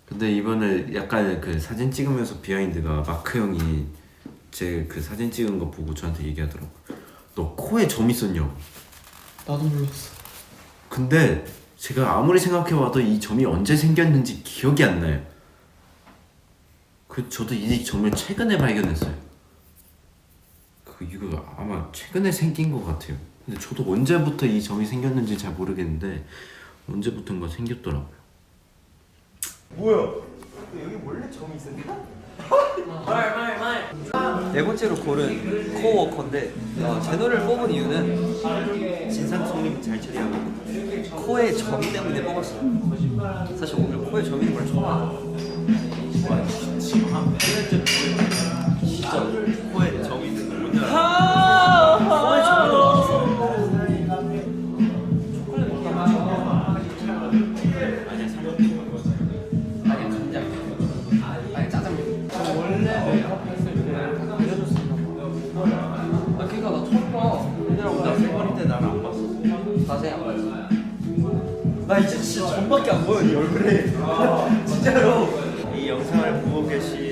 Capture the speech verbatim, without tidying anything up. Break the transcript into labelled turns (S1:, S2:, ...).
S1: 근데 이번에 약간 그 사진 찍으면서 비하인드가 마크 형이 제 그 사진 찍은 거 보고 저한테 얘기하더라고. 너 코에 점 있었냐고.
S2: 나도 몰랐어.
S1: 근데 제가 아무리 생각해봐도 이 점이 언제 생겼는지 기억이 안 나요. 그 저도 이 점을 최근에 발견했어요. 그 이거 아마 최근에 생긴 것 같아요. 근데 저도 언제부터 이 점이 생겼는지 잘 모르겠는데 언제부턴가 생겼더라고요.
S3: 뭐야? 여기 원래 점이 있었나?
S4: 네 번째로 고른 코워커인데 어, 제 노래를 뽑은 이유는
S1: 진상 손님 잘 처리하고
S4: 코에 점이 때문에 뽑았어요. 사실 오늘 코에 점 있는 걸 처음 알아요.
S1: 진짜 코에 점이 있는 걸 오늘
S4: 코에 점이 나왔어.
S2: 아 그니까 나 처음 봐.
S1: 나 세번일 때 나를 안 봤어.
S4: 자세히 안 봤어.
S3: 나 이제 진짜 점밖에 안 보여 네 얼굴에. 진짜로.
S1: 이 영상을 보고 계신